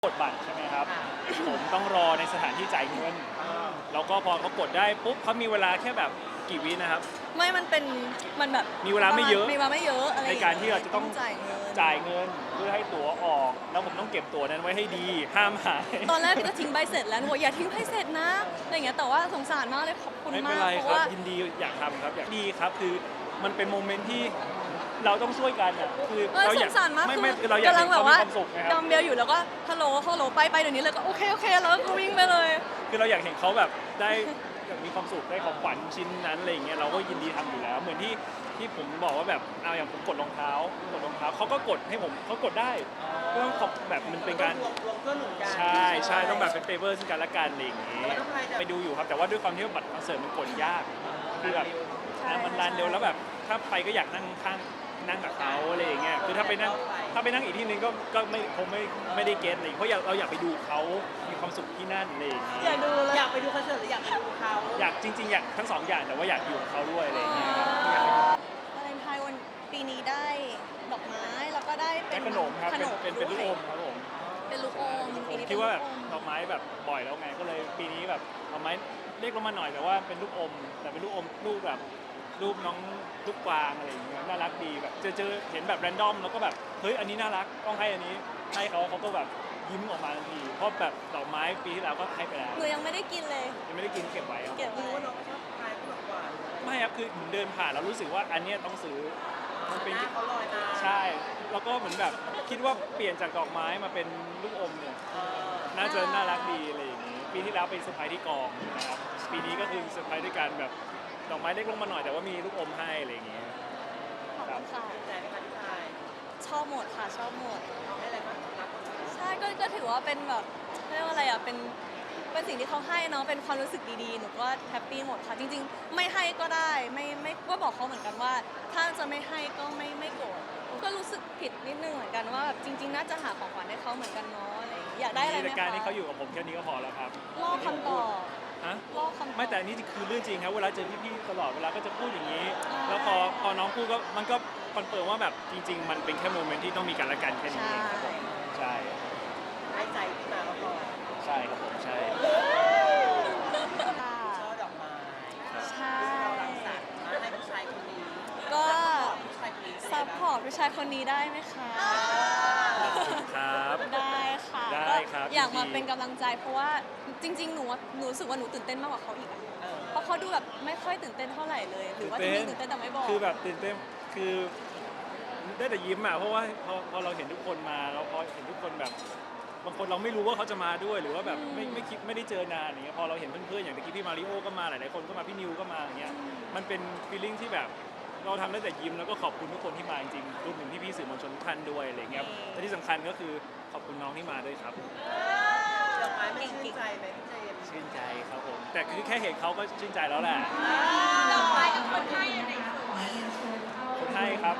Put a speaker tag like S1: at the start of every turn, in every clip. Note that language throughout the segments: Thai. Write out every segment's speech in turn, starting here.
S1: กดบัตรใช่ไหมครับผมต้องรอในสถานที่จ่ายเงินแล้วก็พอเขากดได้ปุ๊บเขามีเวลาแค่แบบกี่วินะครับ
S2: ไม่มันแบบ
S1: มีเวลาไม่เยอะ
S2: มีเวลาไม่เยอะอะไร
S1: ในการที่เราจะต้อง
S2: จ่ายเงิน
S1: เพื่อให้ตั๋วออกแล้วผมต้องเก็บตั๋วนั้นไว้ให้ดีห้ามหาย
S2: ตอนแรกก็ทิ้งใบเสร็จแล้วหนูอย่าทิ้งใบเสร็จนะอะไรอย่างเงี้ยแต่ว่าสงสารมากเลยขอบคุณ
S1: ไม่เป็
S2: มาน ก
S1: ไร
S2: เพ
S1: ค
S2: ราะ
S1: รับ
S2: ว่า
S1: ยินดีอยากทำครับอยากดีครับคือมันเป็นโมเมนต์ที่เราต้องช่วยกันอ่ะคือเราอยาก
S2: สงสารมาก
S1: ไม่คือเราอยาก
S2: กำลั
S1: เห็
S2: ง
S1: น
S2: แบ
S1: เขา
S2: บ
S1: มี
S2: ว่า
S1: ความสุขนะค
S2: ด
S1: รั
S2: อบ มเบลอยู่แล้วก็ฮัลโหลไปเดี๋ยวนี้เลยก็โอเคแล้วก็วิ่งไปเลย
S1: คือเราอยากเห็นเขาแบบได้แบบมีความสุขได้ของขวัญชิ้นนั้นอะไรอย่างเงี้ยเราก็ยินดีทำอยู่แล้วเหมือนที่ผมบอกว่าแบบเอาอย่างผมกดรองเท้าเขาก็กดให้ผมเขากดได้ก็ต้องขอบแบบมันเป็นการใช่ต้องแบบเป็นเฟเวอร์ซึ่งกันและกันอะไรอย่างเงี้ยไปดูอยู่ครับแต่ว่าด้วยความที่ว่าบัตรคอนเสิร์ตมันกดยากคือแบบมันรันเร็วแล้วแบบถ้าไปก็อยากนั่งข้างนั่งกับเขาอะไรอย่างเงี้ยคือถ้าไปนั่งอีกที่นึงก็คงไม่ได้เก็ตอะไรเพราะเราอยากไปดูเขามีความสุขที่นั่นอะไรอย่างเงี้ย
S2: อยากดูเลย
S3: อยากไปดูคอนเสิร์ตหรืออยากไปดูเขา
S1: อยากจริงๆอยากทั้งสองอย่างแต่ว่าอยากอยู่กับเขาด้วยอะไรอย่างเงี้ยครับ
S2: วาเลนไทน์วันปีนี้ได้ดอกไม้แล้วก็ได้เป็
S1: ได้
S2: น
S1: ขนมครับ
S2: ขนม
S1: เป็นลูกอมครับผม
S2: เป็นลูกอม
S1: ผ
S2: ปี
S1: ม
S2: นี้
S1: คิดว่าแบบ
S2: เป็น
S1: ดอกไม้แบบบ่อยแล้วไงก็เลยปีนี้แบบดอกไม้เล็กลงมาหน่อยแต่ว่าเป็นลูกอมแต่เป็นลูกอมรูปแบบรูปน้องลูกกวางอะไรอย่างเงี้ยน่ารักดีแบบเจอเห็นแบบแรนดอมแล้วก็แบบเฮ้ยอันนี้น่ารักต้องให้อันนี้ให้เขาก็แบบยิ้มออกมาทันทีเพราะแบบดอกไม้ปีที่แล้วก็ให้ไปแล้ว
S2: หนูยังไม่ได้กินเลย
S1: ยังไม่ได้กินเก็บไว้ครับ
S2: เก็บ
S3: รู้
S2: ไว้
S3: ว่าน้องก็ชอบทายขนมหวาน
S1: ไม่ครับคือผมเดินผ่านแล้วรู้สึกว่าอันเนี้ยต้องซื้อมันเป็น
S3: หน้าเขาลอยมา
S1: ใช่ แล้วก็เหมือนแบบคิดว่าเปลี่ยนจากดอกไม้มาเป็นลูกอมเนี่ยน่าจะน่ารักดีอะไรอย่างนี้ ปีที่แล้วเป็นเซอร์ไพรส์ที่กองนะครับ ปีนี้ก็คือเซอร์ไพรส์ด้วยการแบบดอกไม้เล็กลงมาหน่อยแต่ว่ามีลูกอมให้อะไรอย่างเงี้ย
S2: ขอบคุณค่ะ
S3: ใจไหมคะที่ทาย
S2: ชอบหมดค่ะชอบหมด
S3: เอาให้อะไรบ้างรักคนนี้
S2: ใช่ก็ถือว่าเป็นแบบเรียกว่าอะไรอ่ะเป็นสิ่งที่เขาให้เนาะเป็นความรู้สึกดีๆหนูก็แฮปปี้หมดค่ะจริงๆไม่ให้ก็ได้ไม่ก็บอกเขาเหมือนกันว่า ถ้าจะไม่ให้ก็ไม่โกรธก็รู้สึกผิดนิดนึงเหมือนกันว่าแบบจริง ๆ น่าจะหาของขวัญให้เขาเหมือนกันเนาะอะไรอย่างเงี้ยอยากได้อะไรไหม
S1: ใน
S2: คะ
S1: การที่เขาอยู่กับผมแค่นี้ก็พอแล้วครับ
S2: ล่อคำตอบ
S1: ฮะ
S2: ล่อคำตอบ
S1: ไม่แต่อันนี้คือเรื่องจริงครับเวลาเจอพี่ๆตลอดเวลาก็จะพูดอย่างนี้
S2: ใช่
S1: แล้วพอน้องพูดก็มันก็คอนเฟิร์มว่าแบบจริง ๆ มันเป็นแค่โมเมนต์ที่ต้องมีกันและกันแค่นี้เองครับผมใช่
S3: ให้ใจที่มาก็พอ
S1: ใช่ครับผมใช่
S2: ค่ะ
S3: ชอบดอกไม้
S2: ใช่
S3: เรารังสรรค์มาให้ผู้ชายคนนี้
S2: ก็
S3: ผู้ชายคนนี้
S2: ซัพพอร์ตผู้ชายคนนี้ได้ไหมคะ
S1: ครับ
S2: ได้ค่ะ
S1: ได้ครับ
S2: ก็อยากมา
S1: ยินดี
S2: เป็นกำลังใจเพราะว่าจริงๆหนูรู้สึกว่าหนูตื่นเต้นมากกว่าเขาอีกอะ
S3: เออ
S2: เพราะเขาดูแบบไม่ค่อยตื่นเต้นเท่าไหร่เลย หรือว่าจะมีตื่นเต้นแต่ไม่บอก
S1: คือแบบตื่นเต้นคือได้แต่ยิ้มอ่ะเพราะว่าพอเราเห็นทุกคนมาเราพอเห็นทุกคนแบบบางคนเราไม่รู้ว่าเขาจะมาด้วยหรือว่าแบบไม่คิดไม่ได้เจอนานอย่างเงี้ยพอเราเห็นเพื่อนๆอย่างเมื่อกี้พี่มาริโอก็มาหลายๆคนก็มาพี่นิวก็มาอย่างเงี้ยมันเป็นฟีลลิ่งที่แบบเราทำได้แต่ยิ้มแล้วก็ขอบคุณทุกคนที่มาจริงๆรวมถึงพี่ๆสื่อมวลชนทุกท่านด้วยอะไรเงี้ยและที่สำคัญก็คือขอบคุณน้องที่มาด้วยครับ
S3: ดอกไม้ไม่ชื่นใจไหมพี่เจมส์
S1: ชื่นใจครับผมแต่คือแค่เห็นเขาก็ชื่นใจแล้วแหละ
S2: ดอกไม้กับคนให้อะไร
S1: คนให้ครับ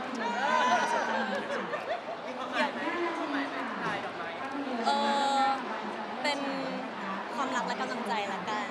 S3: มีความหมายไหมความหมายไหมทายดอกไม้
S2: เป็นความรักและกำลังใจละกัน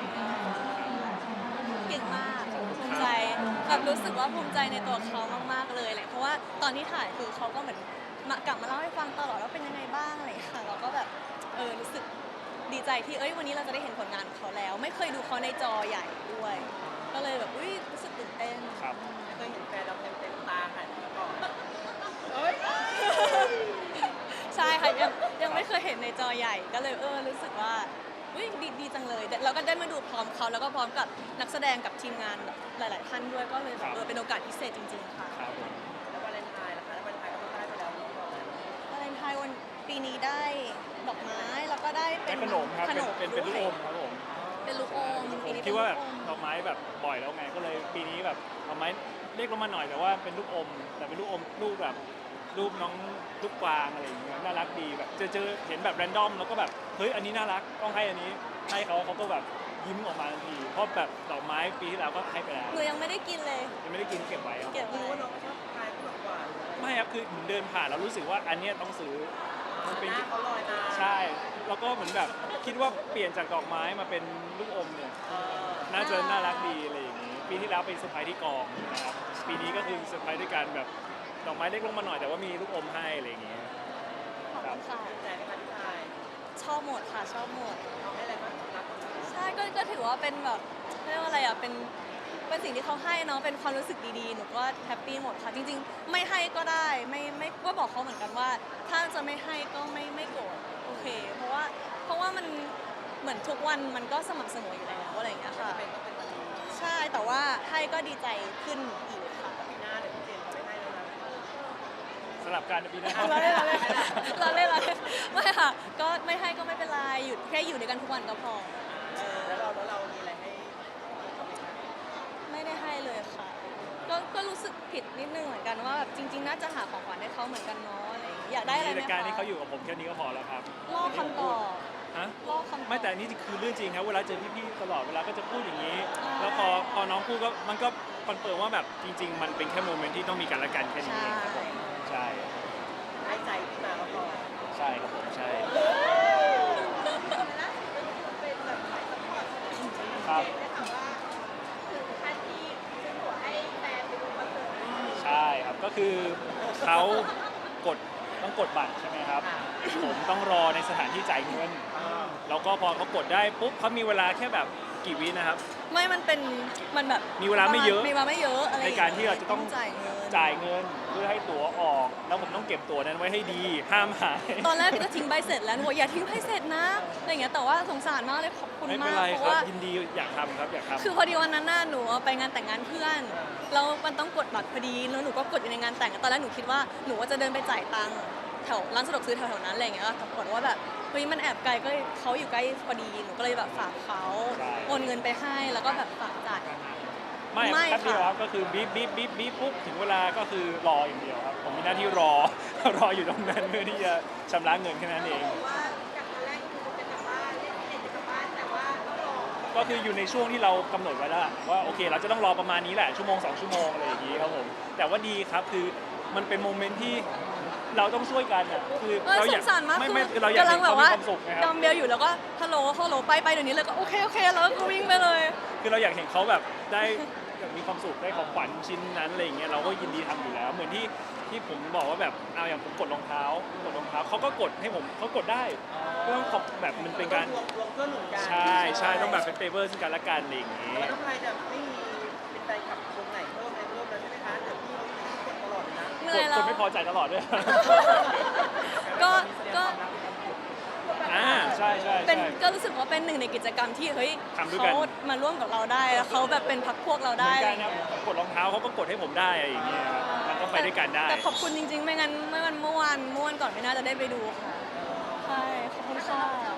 S2: เก่งมากภูมิใจแบบรู้สึกว่าภูมิใจในตัวเขามากๆเลยแหละเพราะว่าตอนที่ถ่ายคือเขาก็เหมือนกลับมาเล่าให้ฟังตลอดว่าเป็นยังไงบ้างอะไรอย่างเงี้ยค่ะเราก็แบบรู้สึกดีใจที่วันนี้เราจะได้เห็นผลงานของเขาแล้ว ไม่เคยดูเขาในจอใหญ่ด้วย ก็เลยแบบรู้สึกตื่นเต้น
S1: ครับ
S3: ไม่เคยเห็นแฟนเราเต็มตาค่ะที่ก่อนเอ้ย
S2: ใช่ค่ะยังไม่เคยเห็นในจอใหญ่ก็เลยรู้สึกว่าดีจังเลยเราก็ได้มาดูพร้อมเขาแล้วก็พร้อมกับนักแสดงกับทีมงานแบบหลาย ๆ ท่านด้วยก็เลยแบบเป็นโอกาสพิเศษจริง ๆ ค่ะ
S1: ครับผม
S3: แล้ววาเลนไทน์นะคะแล้ววาเลนไทน์ก็ต้องได้ไปแล้วนี่บอกแล้ว
S2: วาเลนไทน์วันปีนี้ได้ดอกไม้แล้วก็ได้เป็
S1: ได้
S2: น
S1: ขนมครับ
S2: ขนม
S1: เป็นลูกอมครับผม
S2: เป็นลูกอม
S1: ผ
S2: ปี
S1: ม
S2: นี้
S1: คิดว่าแบบ
S2: เป็น
S1: ดอกไม้แบบบ่อยแล้วไงก็เลยปีนี้แบบดอกไม้เล็กลงมาหน่อยแต่ว่าเป็นลูกอมแต่เป็นลูกอมรูปแบบรูปน้องลูกกวางอะไรอย่างเงี้ยน่ารักดีแบบเจอเห็นแบบแรนดอมแล้วก็แบบเฮ้ยอันนี้น่ารักต้องให้อันนี้ให้เขาก็แบบยิ้มออกมาทันทีเพราะแบบดอกไม้ปีที่แล้วก็ให้ไปแล้ว
S2: หนูยังไม่ได้กินเลย
S1: ยังไม่ได้กินเก็บไว้ครับ
S2: เก็บ
S3: รู้
S2: ไว้
S3: ว่าน้องก็ชอบทายขนมหวาน
S1: ไม่ครับคือผมเดินผ่านแล้วรู้สึกว่าอันเนี้ยต้องซื้อมันเป็น
S3: หน้าเขาลอยมา
S1: ใช่แล้วก็เหมือนแบบคิดว่าเปลี่ยนจากดอกไม้มาเป็นลูกอมเนี่ย
S3: เออ
S1: น่าจะน่ารักดีอะไรอย่างนี้ ปีที่แล้วเป็นเซอร์ไพรส์ที่กองนะครับ ปีนี้ก็คือเซอร์ไพรส์ด้วยการแบบดอกไม้เล็กลงมาหน่อยแต่ว่ามีลูกอมให้อะไรอย่างนี้
S2: ขอบคุณค่ะ
S3: ใจไหมคะที่ทาย
S2: หมดค่ะชอบหมด
S3: เขาให้อะไรบ้างรับคนอื่น
S2: ใช่ก็ถือว่าเป็นแบบเรียกว่าอะไรอ่ะเป็นสิ่งที่เขาให้เนาะเป็นความรู้สึกดีๆหนูก็แฮปปี้หมดค่ะจริงๆไม่ให้ก็ได้ไม่ก็บอกเขาเหมือนกันว่า ถ้าจะไม่ให้ก็ไม่โกรธโอเค เพราะว่ามันเหมือนทุกวันมันก็สม่ำเสมออยู่แล้วอะไรอย่างเงี้ยค่ะ
S3: เป็นก็เป็นวันนี้
S2: ใช่แต่ว่าให้ก็ดีใจขึ้นอีกค่ะ
S3: ปีหน้าเดี๋ยวพี่เจนเขาไม่ให้แล้วนะ
S1: สลับการปีหน้า
S2: เราเล่นไม่ค่ะก็ไม่ให้ก็ไม่เป็นไรอยู่แค่อยู่ด้วยกันทุกวันก็พอ
S3: แล้วเรามีอะไรให้เขาไหมคะ
S2: ไม่ได้ให้เลยค่ะ ก็รู้สึกผิดนิดนึงเหมือนกันว่าแบบจริง ๆ น่าจะหาของขวัญให้เขาเหมือนกันเนาะอะไรอย่างเงี้ยอยากได้อะไรไหม
S1: แต่
S2: คะ
S1: การที่เขาอยู่กับผมแค่นี้ก็พอแล้วครับ
S2: ล่อคำตอบ
S1: ฮะ
S2: ล่อคำตอบ
S1: ไม่แต่อันนี่คือเรื่องจริงครับเวลาเจอพี่ๆตลอดเวลาก็จะพูดอย่างนี้
S2: ใช่
S1: แล้วพอน้องพูดก็มันก็คอนเฟิร์มว่าแบบจริง ๆ มันเป็นแค่โมเมนต์ที่ต้องมีกันและกันแค่นี้เองครับผมใช่
S3: ให้ใจพี่มาก็พอ
S1: ใช่ครับผมใช่ครับใช่ครับก็คือเขาต้องกดบัตรใช่ไหมครับ ผมต้องรอในสถานที่จ่ายเงิน แล้วก็พอเขากดได้ปุ๊บเขามีเวลาแค่แบบกี่วินะครับ
S2: ไม่มันแบบ
S1: มีเวลาไม่เยอะ
S2: มีเวลาไม่เยอะอะไรอย่
S1: ใน
S2: งงี้ย
S1: การที่เราจะต้อง
S2: จ่ายเงิน
S1: จ่ายเงินเพื่อให้ตั๋วออก แล้วผมต้องเก็บตั๋วนั้นไว้ให้ดี ห้ามหาย
S2: ตอนแรกก็ทิ้งใบเสร็จแล้วหนูบอกอย่าทิ้งใบเสร็จนะอะไรอย่างเงี้ยแต่ว่าสงสารมากเลยขอบคุณ
S1: ไม่เป็
S2: มาน ก
S1: ไร
S2: เพ
S1: ค
S2: ราะ
S1: รับ
S2: ว่า
S1: ยินดีอยากทำครับอยากทำ
S2: คือพอดีวันนั้นน่ะหนูไปงานแต่งงานเพื่อนแล้วมันต้องกดบัตรพอดีแล้วหนูก็กดอยู่ในงานแต่งตอนแรกหนูคิดว่าหนูว่าจะเดินไปจ่ายตังค์แถวร้านสะดวกซื้อแถวๆนั้นอะไรอย่างเงี้ยแต่ปรากฏว่าแบบเฮ้ยมันแอบไกลก็เขาอยู่ใกล้พอดีหนูก็เลยแบบฝากเขาโอนเงินไปให้แล้วก็แบบฝากจ่าย
S1: ไม่
S2: ไม่
S1: แป๊บเดียว
S2: ค่ะ
S1: ครับก็คือบีบปุ๊บถึงเวลาก็คือรออย่างเดียวครับ ผมมีหน้าที่รอ รออยู่ตรงนั้นเพื่อที่จะชำระเงินแค่นั้นเอง ก็คืออยู่ในช่วงที่เรากำหนดไว้แล้วล่ะว่าโอเคเราจะต้องรอประมาณนี้แหละชั่วโมง2 ชั่วโมงอะไรอย่างนี้ครับผมแต่ว่าดีครับคือมันเป็นโมเมนต์ที่เราต้องช่วยกันอ่ะคือ
S2: ส
S1: เราอยาก
S2: งสารมาก
S1: ไม่เราอยาก
S2: กำลั
S1: ให้
S2: งแบ
S1: เขา
S2: บ
S1: มี
S2: ว่า
S1: ความสุขนะค
S2: ด
S1: รั
S2: อบ มเบลอยู่แล้วก็ฮัลโหลไปเดี๋ยวนี้เลยก็โอเคแล้วก็วิ่งไปเลย
S1: คือเราอยากเห็นเขาแบบได้แบบมีความสุขได้ของขวัญชิ้นนั้นอะไรอย่างเงี้ยเราก็ยินดีทำอยู่แล้ว เหมือนที่ผมบอกว่าแบบเอาอย่างผมกดรองเท้าเขาก็กดให้ผมเขากดได้ก็ต้องขอบแบบมันเป็นการ
S3: รวมเพื่อนหนุนกัน
S1: ใช่ต้องแบบเป็นเฟเวอร์ซึ่งกันและกันอะไรอย่างงี้
S3: แล้วทำไมจะไม่มีเป็นใจขับคนไหนเพิ่มอะไรเพิ่มแล้วใช่ไหมคะเดี๋ยวพี่เขากดตลอดเลยนะ
S2: เหนื่อย
S1: ค
S2: แล้ว
S1: นไม่พอใจตลอดด้วย
S2: ก็
S1: ใช่
S2: เป็นก็รู้สึกว่าเป็นหนึ่งในกิจกรรมที่เฮ้ย
S1: ทำด้วยกัน
S2: เขามาร่วมกับเราได้แล้วเขาแบบเป็นพักพวกเรา
S1: เหมื
S2: ได้
S1: อนกันนะผมกดรองเท้าเขาก็กดให้ผมได้อะไรอย่างเงี้ยครับมันก็ไปด้วยกันได้
S2: แต่ขอบคุณจริงๆ ไม่งั้นเมื่อวานก่อนไม่น่าจะได้ไปดูค่ะใช่ขอบคุณค่ะ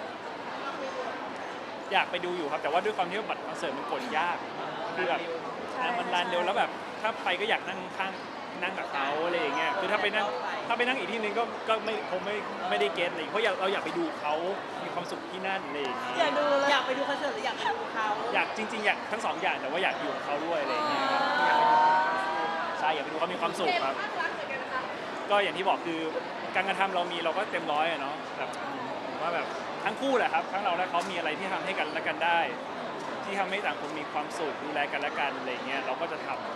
S1: อยากไปดูอยู่ครับแต่ว่าด้วยความที่ว่าบัตรคอนเสิร์ตมันกดยากคือแบบมันรันเร็วแล้วแบบถ้าไปก็อยากนั่งข้างนั่งกับเขาอะไรอย่างเงี้ยคือถ้าไปนั่งอีกที่นึงก็คงไม่ได้เก็ตอะไรเพราะเราอยากไปดูเขามีความสุขที่นั่นอะไรอย่างเงี้ย
S2: อยากดูแล้ว
S3: อยากไปดูคอนเสิร์ตหรืออยากไปดูเขา
S1: อยากจริงๆอยากทั้งสองอย่างแต่ว่าอยากอยู่กับเขาด้วยอะไรอย่างเงี้ยครับใช่อยากไปดูเขามีความสุขครับก็อย่างที่บอกคือการกระทำเราก็เต็มร้อยอะเนาะแบบผมว่าแบบทั้งคู่แหละครับทั้งเราและเขามีอะไรที่ทำให้กันและกันได้ ที่ทำให้ต่างคนมีความสุขดูแลกันและกันอะไรเงี้ยเราก็จะทำ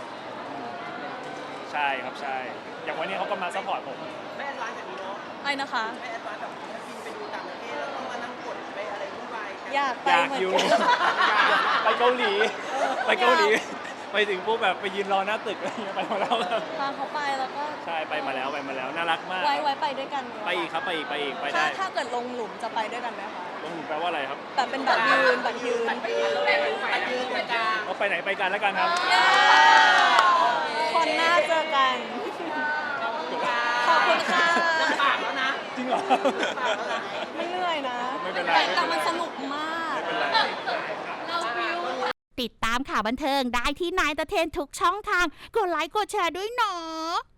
S1: ใช่ครับใช่อย่างวันนี้เขาก็มาซัพพอร์ตผม
S3: ไม่แอดวานซ์แบบนี้เนาะ
S2: ไอ้นะคะ
S3: ไม่แอดวานซ์แบบถ้าบินไปดูต่างประเทศแล้วต้องมานั่งกดไปอะไรวุ่นวายกัน
S2: อยากไป
S1: อยาก
S2: เหมือน
S1: อยู่
S2: กัน
S1: ไปเกาหลีไปถึงปุ๊บแบบไปยืนรอหน้าตึกอะไรเงี้ยไปมาแล้วครับ
S2: พาเขาไปแล้วก็
S1: ใช่ไปมาแล้วน่ารักมาก
S2: ไว้ไปด้วยกัน
S1: ไปอีกครับไปอีกไปได้
S2: ถ้าเกิดลงหลุมจะไปด้วยกันไหมคะ
S1: ลงหลุมแปลว่าอะไรครับ
S2: แบบเป็นบัตรยืน
S3: ไปยืนเป็นกลาง
S1: เอาไปไหนไปกันแล้วกันครับ
S2: คนหน้าเจอกัน ขอบคุณค่ะ
S3: ปากแล้วนะ
S1: จริงเหรอ
S3: ปากแล้วนะ
S2: ไม่เหนื่อยนะ
S1: ไม่เป็นไร
S2: แต่มันสนุกมาก
S1: ไม่เป็นไร
S4: ติดตามข่าวบันเทิงได้ที่นายตะเทนทุกช่องทาง กดไลค์กดแชร์ด้วยเนาะ